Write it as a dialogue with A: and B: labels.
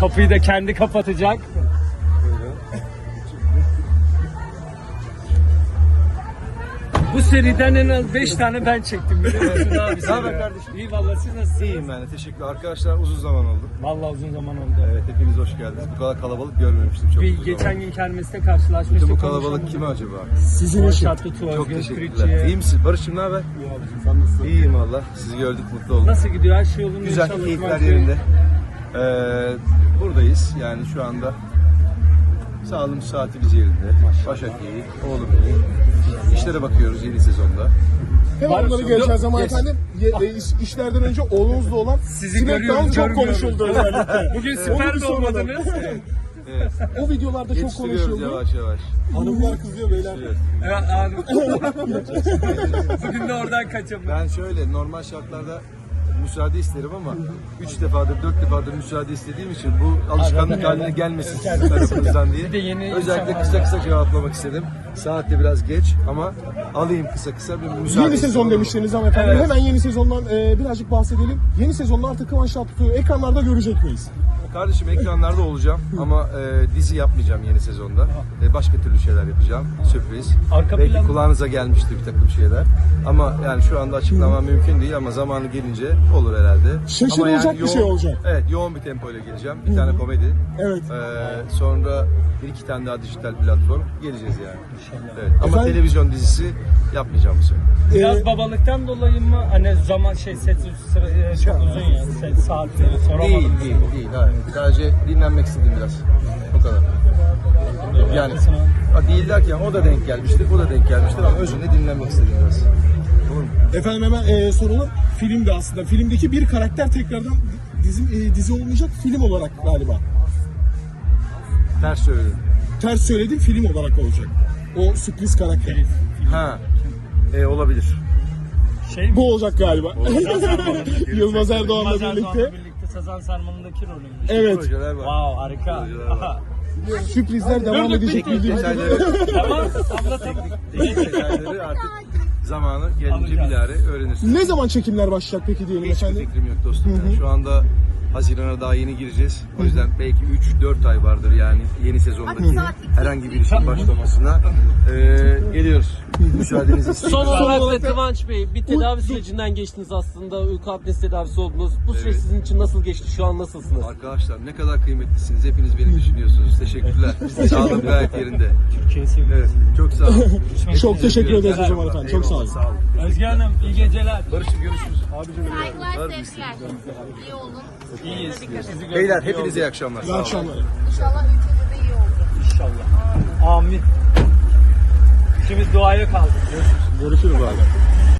A: Kapıyı da kendi kapatacak. Bu seriden en az 5 tane ben çektim biliyor musun abi?
B: Ne haber kardeşim?
A: İyi vallahi, siz nasılsınız?
B: İyiyim ben de, teşekkürler. Arkadaşlar uzun zaman oldu.
A: Vallahi uzun zaman oldu.
B: Evet, hepiniz hoş geldiniz. Bu kadar kalabalık görmemiştim çok
A: Bir
B: uzun
A: geçen
B: zaman.
A: gün kermeste karşılaşmıştık.
B: Bütün bu kalabalık kim acaba?
A: Sizin eşit.
B: Çok teşekkürler. İyi misin? Barış'cığım ne haber?
A: Sen nasılsın?
B: İyiyim valla. Sizi gördük, mutlu olduk.
A: Nasıl gidiyor? Her şey yolunda.
B: Güzel,
A: İnşallah
B: keyifler
A: maçı-
B: yerinde. Buradayız yani şu anda. Sağlığımız, saatimiz yerinde. Başak iyi, oğlum iyi. İşlere bakıyoruz yeni sezonda.
C: Hemen onları geleceğiz ama efendim işlerden önce oğlunuzla olan
A: Sizi
C: Smackdown
A: görüyoruz,
C: çok
A: görmüyoruz.
C: konuşuldu özellikle.
A: Bugün
C: Onu
A: süper
C: bir
A: de
C: soralım.
A: olmadınız.
B: Evet.
C: O videolarda çok
B: Yetiştiriyoruz
C: konuşuldu.
B: yavaş yavaş.
C: Hanımlar kızıyor beyler.
B: Evet.
A: Evet abi. Bugün de oradan kaçamadım.
B: Ben şöyle normal şartlarda müsaade isterim ama 3 defadır 4 defadır müsaade istediğim için bu alışkanlık haline gelmesin sizin tarafınızdan
A: Bir de
B: diye.
A: yeni
B: Özellikle
A: insanlar
B: kısa cevaplamak istedim. Saat de biraz geç ama alayım kısa bir müsaade.
C: Yeni sezon demiştiniz ama efendim.
B: Evet.
C: Hemen yeni sezondan birazcık bahsedelim. Yeni sezonda artık Kıvanç Tatlıtuğ'u ekranlarda görecek miyiz?
B: Kardeşim ekranlarda olacağım ama dizi yapmayacağım yeni sezonda. Başka türlü şeyler yapacağım. Sürpriz.
A: Arka
B: Belki
A: plan-
B: kulağınıza gelmiştir bir takım şeyler. Ama yani şu anda açıklamam mümkün değil ama zamanı gelince olur herhalde.
C: Şaşırılacak
B: Ama
C: bir şey olacak.
B: Evet, yoğun bir tempoyla geleceğim. Bir tane komedi.
C: Evet.
B: Sonra bir iki tane daha dijital platform geleceğiz yani. Evet. Ama
C: Efendim?
B: televizyon dizisi yapmayacağım bu sene.
A: Biraz babalıktan dolayı mı? Hani zaman set çok uzun ya. Set saatleri soramadım.
B: Değil. Hayır. Sadece dinlenmek istedim biraz. O kadar. Yani değil derken o da denk gelmiştir, bu da denk gelmiştir ama özünde dinlenmek istedim biraz. Doğru mu?
C: Efendim hemen soralım. Filmde aslında. Filmdeki bir karakter tekrardan dizi olmayacak film olarak galiba.
B: Ters söyledim.
C: Ters söyledim, film olarak olacak. O sürpriz karakter.
B: Ha. Olabilir.
A: Şey
C: Bu olacak galiba. Yılmaz Erdoğan'la
A: Yılmaz
C: birlikte.
A: Erdoğan'la birlikte Sazan Sarmalı'ndaki rolüymüş.
C: Evet.
B: Projeler var.
A: Wow, harika.
B: Projeler var.
C: Sürprizler devam edecek bildiğimiz gibi.
B: Detayları,
A: Tamam, anlatalım.
B: detayları artık zamanı gelince bilahare öğrenirsiniz.
C: Ne zaman çekimler başlayacak peki diyelim
B: Hiçbir
C: efendim?
B: fikrim yok dostum. Yani şu anda Haziran'a daha yeni gireceğiz. O yüzden belki 3-4 ay vardır yani yeni sezondaki herhangi bir işin başlamasına. Geliyoruz. Müsaadenizi istiyorum.
D: Son olarak da
C: olarak da-
D: Kıvanç Bey, bir tedavi sürecinden geçtiniz aslında. Uyku apnesi tedavisi oldunuz. Bu süreç sizin için nasıl geçti? Şu an nasılsınız?
B: Arkadaşlar ne kadar kıymetlisiniz. Hepiniz beni düşünüyorsunuz. Teşekkürler. Sağlığım gayet yerinde.
A: Türkiye'yi seviyorum.
B: Evet. Çok sağ olun.
C: Çok teşekkür ederiz o zaman efendim. Çok sağ olun.
B: Sağ olun.
A: Özge Hanım, iyi geceler.
B: Barış'ım görüşürüz.
E: Saygılar, sevgiler. İyi olun.
A: İyiyiz. Sizi gördük.
B: Beyler
A: İyi
B: hepinize
A: oldu.
B: iyi akşamlar.
C: İyi
B: Sağ olun.
C: akşamlar.
E: İnşallah ülkede de iyi olur.
A: İnşallah. Amin. İkimiz duaya kaldık.
C: Görüşürüz abi.